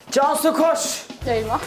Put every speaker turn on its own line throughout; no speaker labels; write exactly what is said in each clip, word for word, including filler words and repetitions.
Cansu koş.
Eyvah.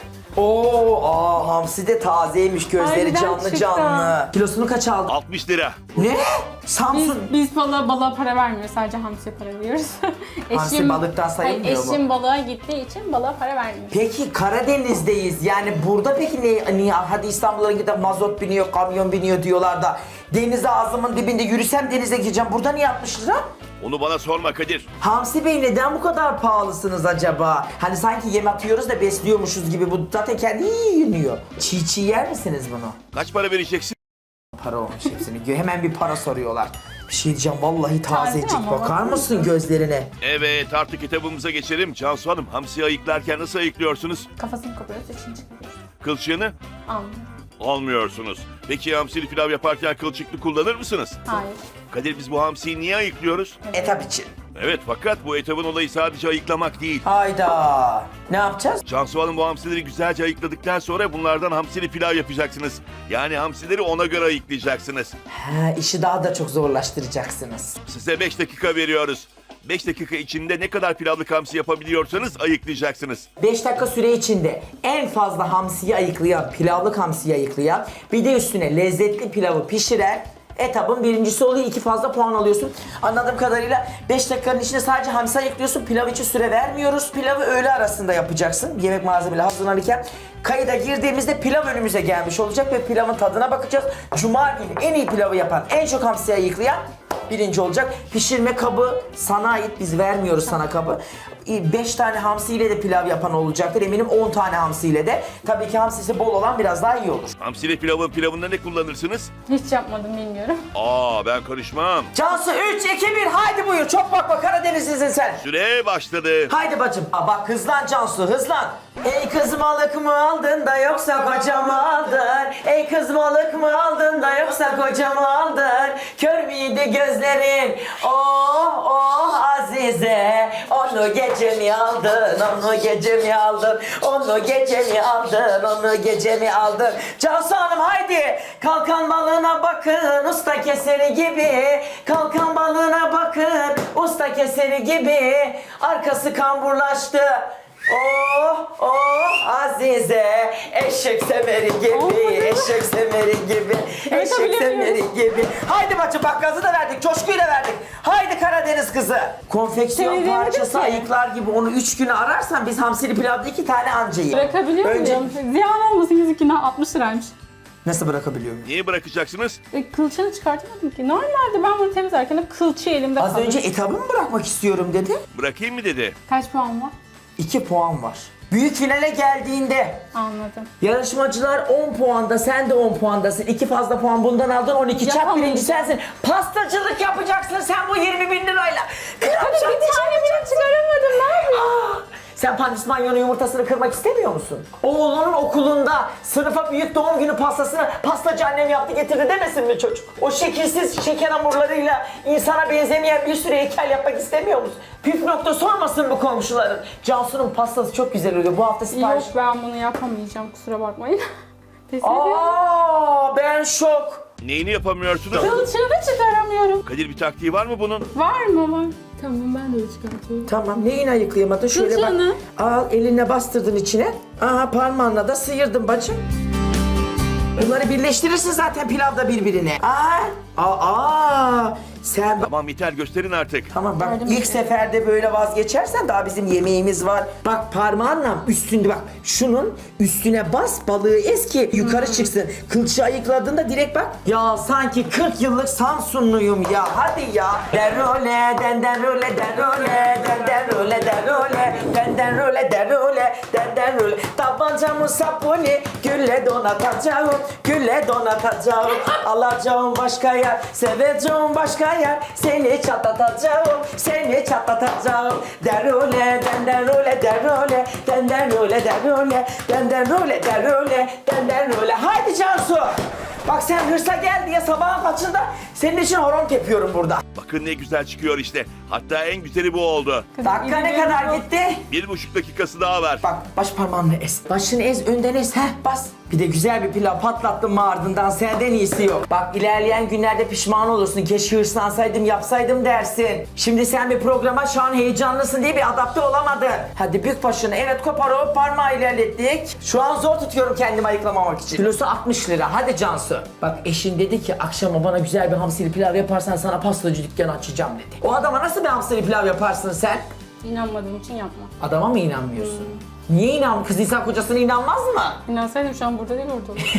Oo, aa, hamsi de tazeymiş, gözleri
Harbiden
canlı
çıktı.
canlı. Kilosunu kaç aldın?
altmış lira.
Ne?
Biz,
Samsun.
biz balığa, balığa para vermiyoruz. Sadece hamsiye para veriyoruz.
Hamsi balıktan sayılmıyor
Hayır,
mu?
eşim balığa gittiği için balığa para vermiyoruz.
Peki Karadeniz'deyiz. Yani burada peki ne, niye? Hadi İstanbul'a gidip mazot biniyor, kamyon biniyor diyorlar da deniz ağzımın dibinde yürüsem denize gireceğim. Burada niye altmış lira?
Onu bana sorma Kadir.
Hamsi Bey neden bu kadar pahalısınız acaba? Hani sanki yem atıyoruz da besliyormuşuz gibi. Bu zaten kendi yeniyor. Çiğ çiğ yer misiniz bunu?
Kaç para vereceksin?
Para olmuş hepsini. Hemen bir para soruyorlar. Bir şey diyeceğim, vallahi
Taze
tazecik.
ama
Bakar
bakar
mısın
mısın?
gözlerine?
Evet, artık kitabımıza geçelim. Cansu Hanım, hamsiyi ayıklarken nasıl ayıklıyorsunuz?
Kafasını kopuyoruz, için çıkıyoruz.
Kılçığını
Anladım.
almıyorsunuz. Peki hamsili pilav yaparken kılçıklı kullanır mısınız?
Hayır.
Kadir, biz bu hamsiyi niye ayıklıyoruz?
Etap için.
Evet, fakat bu etabın olayı sadece ayıklamak değil.
Hayda. Ne yapacağız?
Cansu Hanım, bu hamsileri güzelce ayıkladıktan sonra bunlardan hamsili pilav yapacaksınız. Yani hamsileri ona göre ayıklayacaksınız.
Ha, işi daha da çok zorlaştıracaksınız.
Size beş dakika veriyoruz. beş dakika içinde ne kadar pilavlık hamsi yapabiliyorsanız ayıklayacaksınız.
beş dakika süre içinde en fazla hamsiyi ayıklayan, pilavlık hamsiyi ayıklayan, bir de üstüne lezzetli pilavı pişiren etabın birincisi oluyor. İki fazla puan alıyorsun. Anladığım kadarıyla beş dakikanın içinde sadece hamsi ayıklıyorsun. Pilav için süre vermiyoruz. Pilavı öğle arasında yapacaksın. Yemek malzemeleri hazırlanırken. Kayıda girdiğimizde pilav önümüze gelmiş olacak ve pilavın tadına bakacağız. Cuma günü en iyi pilavı yapan, en çok hamsi ayıklayan birinci olacak. Pişirme kabı sana ait. Biz vermiyoruz sana kabı. beş tane hamsiyle de pilav yapan olacaktır. Eminim on tane hamsiyle de. Tabii ki hamsisi bol olan biraz daha iyi olur.
Hamsili pilavın pilavında ne kullanırsınız?
Hiç yapmadım, bilmiyorum.
Aa, ben karışmam.
Cansu üç, iki, bir haydi buyur. Çok bakma, Karadenizlisin sen.
Süre başladı.
Haydi bacım. Aa, bak hızlan Cansu, hızlan. Ey kız balık mı aldın da yoksa koca mı aldın? Ey kız balık mı aldın da yoksa koca mı aldın? Kör müydü gözlerin? Oh oh Azize. Onu gece mi aldın? Onu gece mi aldın? Onu gece mi aldın? Onu gece mi aldın? Cansu Hanım haydi. Kalkan balığına bakın usta keseri gibi. Kalkan balığına bakın usta keseri gibi. Arkası kamburlaştı. Oh oh Azize, eşek semeri gibi,
Oh.
eşek semeri gibi, eşek semeri
bilemiyorum.
gibi. Haydi bacım bak, gazı da verdik, coşkuyu da verdik. Haydi Karadeniz kızı. Konfeksiyon
Seni denedim
parçası
ki.
ayıklar gibi onu üç güne ararsan biz hamsili pilavda iki tane anca yiyelim.
Bırakabiliyor
Önce
muyum? Ziyan olmasın, yüzüküne altmış liraymış.
nasıl bırakabiliyorum?
Niye bırakacaksınız?
E, kılçığını çıkartamadım ki. Normalde ben bunu temizlerken hep kılçığı elimde
Az
kalır.
önce etabı mı bırakmak istiyorum dedi.
Bırakayım mı dedi.
Kaç puan var?
iki puan var. Büyük finale geldiğinde
Anladım.
yarışmacılar on puanda, sen de on puandasın. iki fazla puan bundan aldın, on iki çak
Yapamayacağım.
birinci sensin. Pastacılık yapacaksın sen bu yirmi bin lirayla.
Hadi
Kıracaksın,
bir tane bile çıkaramadım, ne yapayım?
Sen pandispanyonun yumurtasını kırmak istemiyor musun? Oğlunun okulunda sınıfa büyük doğum günü pastasını pastacı annem yaptı getirdi demesin mi çocuk? O şekilsiz şeker hamurlarıyla insana benzemeyen bir sürü heykel yapmak istemiyor musun? Püf nokta sormasın bu komşuların. Cansu'nun pastası çok güzel oluyor. Bu hafta sipariş...
Yok, ben bunu yapamayacağım, kusura bakmayın. Pes ediyorum.
Aa, ben şok.
Neyini yapamıyorsunuz?
Kılçığını çıkaramıyorum.
Kadir, bir taktiği var mı bunun?
Var mı var? Tamam, ben de öyle çıkartıyorum.
Tamam, neyini ayıklayamadın? Şöyle
Kılçığını.
bak. Al, eline bastırdın içine. Aha, parmağınla da sıyırdın bacım. Bunları birleştirirsin zaten pilavda birbirine. Aa, aa, aa. Sen bak.
Tamam, yeter, gösterin artık.
Tamam bak,
Yardım
ilk
et.
seferde böyle vazgeçersen daha bizim yemeğimiz var. Bak parmağınla üstünde bak, şunun üstüne bas, balığı ez ki yukarı çıksın. Kılçığı ayıkladığında direkt bak. Ya sanki kırk yıllık Samsunluyum ya, hadi ya. Derole, denden role, derole, denden role, derole, denden role, derole, denden role. Tabancamı sapuni, gülle donatacağım, gülle donatacağım. Alacağım başka yer, seveceğim başka yer. Seni çatlatacağım, seni çatlatacağım. Derole, denden role, derole, denden role, derole, denden role, derole, denden role. Haydi Cansu. Bak sen hırsa gel diye sabahın kaçında senin için horon tepiyorum burada.
Bakın ne güzel çıkıyor işte. Hatta en güzeli bu oldu.
Dakika ne kadar gitti?
Bir buçuk dakikası daha var.
Bak baş parmağınla ez. Başını ez, önden ez. Heh, bas. Bir de güzel bir pilav patlattım mı ardından senden iyisi yok. Bak ilerleyen günlerde pişman olursun. Keşke hırslansaydım yapsaydım dersin. Şimdi sen bir programa şu an heyecanlısın diye bir adapte olamadın. Hadi bük başını. Evet kopar o parmağı ilerlettik. Şu an zor tutuyorum kendimi ayıklamamak için. Kilosu altmış lira. Hadi Cansu. Bak eşin dedi ki akşama bana güzel bir hamsili pilav yaparsan sana pastacı dükkanı açacağım dedi. O adama nasıl bir hamsili pilav yaparsın sen?
İnanmadığım için yapma.
Adama mı inanmıyorsun? Niye inan? Kız insan kocasına inanmaz mı?
İnansaydım şu an burada değil orada olurdu.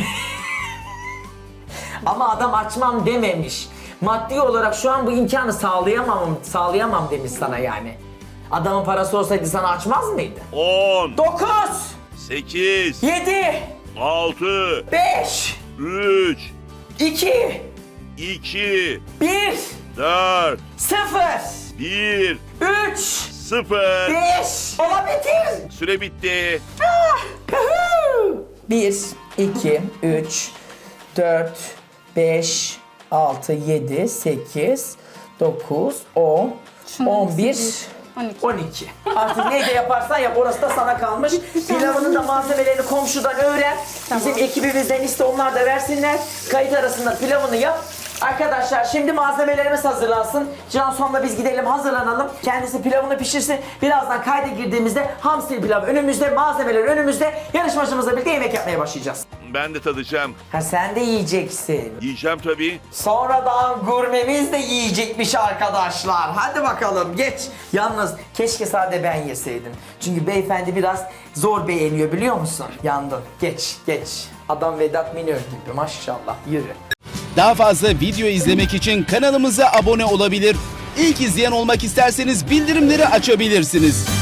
Ama adam açmam dememiş. Maddi olarak şu an bu imkanı sağlayamam, sağlayamam demiş sana yani. Adamın parası olsaydı sana açmaz mıydı?
on,
dokuz,
sekiz,
yedi,
altı,
beş,
üç,
iki,
iki,
bir,
dört,
sıfır,
bir,
üç,
sıfır.
beş. Ola bitir.
Süre bitti.
bir, iki, üç, dört, beş, altı, yedi, sekiz, dokuz, on,
Şunun
on bir,
hepsi on iki.
on iki. Artık neyde yaparsan yap orası da sana kalmış. Pilavının da malzemelerini komşudan öğren.
Tamam.
Bizim ekibimizden iste onlar da versinler. Kayıt arasında pilavını yap. Arkadaşlar şimdi malzemelerimiz hazırlansın. Cansu'nla biz gidelim hazırlanalım. Kendisi pilavını pişirsin. Birazdan kayda girdiğimizde hamsi pilav önümüzde, malzemeler önümüzde. Yarışmacımızla birlikte yemek yapmaya başlayacağız.
Ben de tadacağım.
Ha sen de yiyeceksin.
Yiyeceğim tabii.
Sonradan gurmemiz de yiyecekmiş arkadaşlar. Hadi bakalım geç. Yalnız keşke sade ben yeseydim. Çünkü beyefendi biraz zor beğeniyor biliyor musun? Yandın. Geç geç. Adam Vedat Minör gibi maşallah. Yürü.
Daha fazla video izlemek için kanalımıza abone olabilir. İlk izleyen olmak isterseniz bildirimleri açabilirsiniz.